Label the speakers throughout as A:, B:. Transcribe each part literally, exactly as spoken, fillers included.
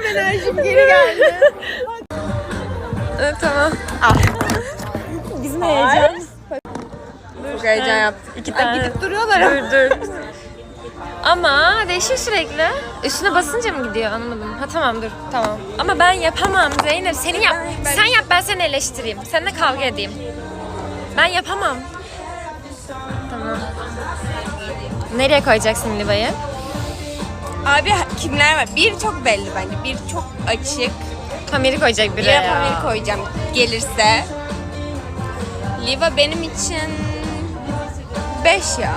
A: enerjim geri geldi.
B: Evet tamam.
A: Bizim heyecan.
B: Çok heyecan yaptık.
A: İki tane.
B: Gidip duruyorlar. Dur dur. Ama değişiyor sürekli. Üstüne basınca mı gidiyor anlamadım. Ha tamam dur tamam. Ama ben yapamam Zeynep. Senin yap. Sen yap ben seni eleştireyim. Seninle kavga edeyim. Ben yapamam. Tamam. Nereye koyacaksın Liva'yı?
A: Abi kimler var? Bir çok belli bence. Bir çok açık.
B: Pamir'i koyacak biri
A: Bir
B: ya.
A: Pamir koyacağım gelirse. Liva benim için beş ya.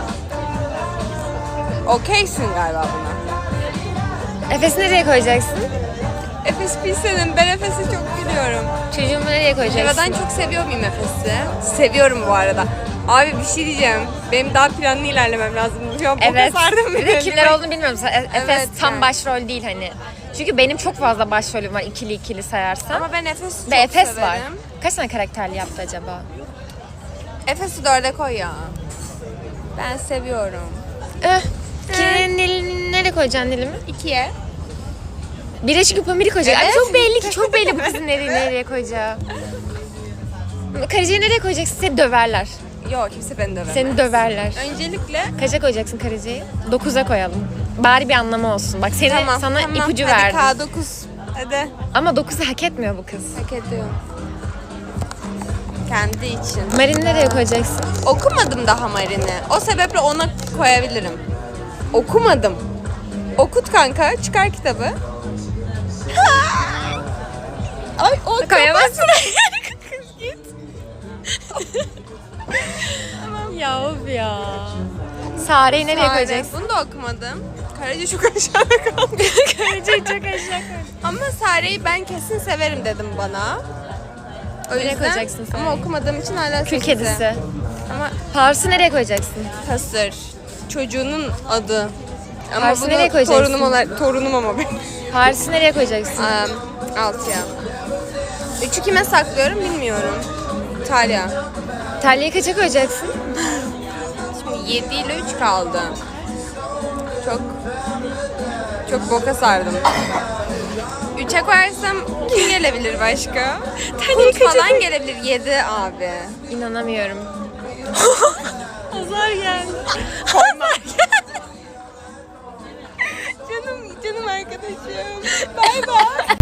A: Okeysin galiba buna.
B: Efes'i nereye koyacaksın?
A: Efes bilsenin ben Efes'i çok biliyorum.
B: Çocuğumu nereye koyacaksın?
A: Liva'dan çok seviyor muyum Efes'i? Seviyorum bu arada. Abi bir şey diyeceğim. Benim daha planlı ilerlemem lazım. Şu an
B: Evet.
A: sardım
B: Bir de kimler olduğunu bilmiyorum. E- Efes
A: Evet,
B: tam
A: yani.
B: başrol değil hani. Çünkü benim çok fazla başrolüm var ikili ikili sayarsan.
A: Ama ben Efes'i çok
B: Ve Efes
A: severim.
B: var. Kaç tane karakterli yaptı acaba?
A: Efes'i dörde koy ya. Ben seviyorum.
B: Eh. Ki, Nil, nereye koyacaksın Nil'imi?
A: İkiye.
B: Bire çünkü Pamir'i koyacak. Ay
A: Evet.
B: çok belli ki çok belli bu kızın nereye, nereye koyacağı. Karıcayı nereye koyacaksın? Seni döverler.
A: Yok kimse beni dövemez.
B: Seni döverler.
A: Öncelikle
B: Kaça koyacaksın karıcayı? Dokuza koyalım. Bari bir anlamı olsun. Bak seni
A: tamam,
B: sana
A: tamam.
B: ipucu
A: Hadi
B: verdim.
A: K dokuz. Hadi.
B: Ama dokuzu hak etmiyor bu kız.
A: Hak ediyor. Kendi için.
B: Marin'i nereye koyacaksın?
A: Okumadım daha Marin'i. O sebeple ona koyabilirim. Okumadım. Okut kanka. Çıkar kitabı. Ay o
B: Koyamazsın. Kız git. Ya of ya. Sare'yi nereye
A: Sare.
B: koyacaksın?
A: Bunu da okumadım. Karaca çok aşağıda kaldı.
B: Karıcayı çok aşağı koy.
A: Ama Sare'yi ben kesin severim dedim bana. O
B: Nereye
A: yüzden
B: koyacaksın Sare'yi?
A: ama okumadığım için hala
B: Kül
A: sekize.
B: kedisi.
A: Ama
B: Pars'ı nereye koyacaksın?
A: Kasır. Çocuğunun adı. Ama
B: Paris'i
A: bunu
B: nereye koyacaksın?
A: torunum olarak torunum ama benim.
B: Pars'ı nereye koyacaksın?
A: Um, altıya. Üçü kime saklıyorum bilmiyorum. İtalya.
B: Talya'yı kaça koyacaksın?
A: Şimdi yedi ile üç kaldı. Çok çok boka sardım. üçe koyarsam kim gelebilir başka?
B: Talya'yı
A: Kurt
B: kaça
A: falan
B: koy-
A: gelebilir. yedi abi.
B: İnanamıyorum. Azar geldi.
A: Canım canım arkadaşım. Bay bay.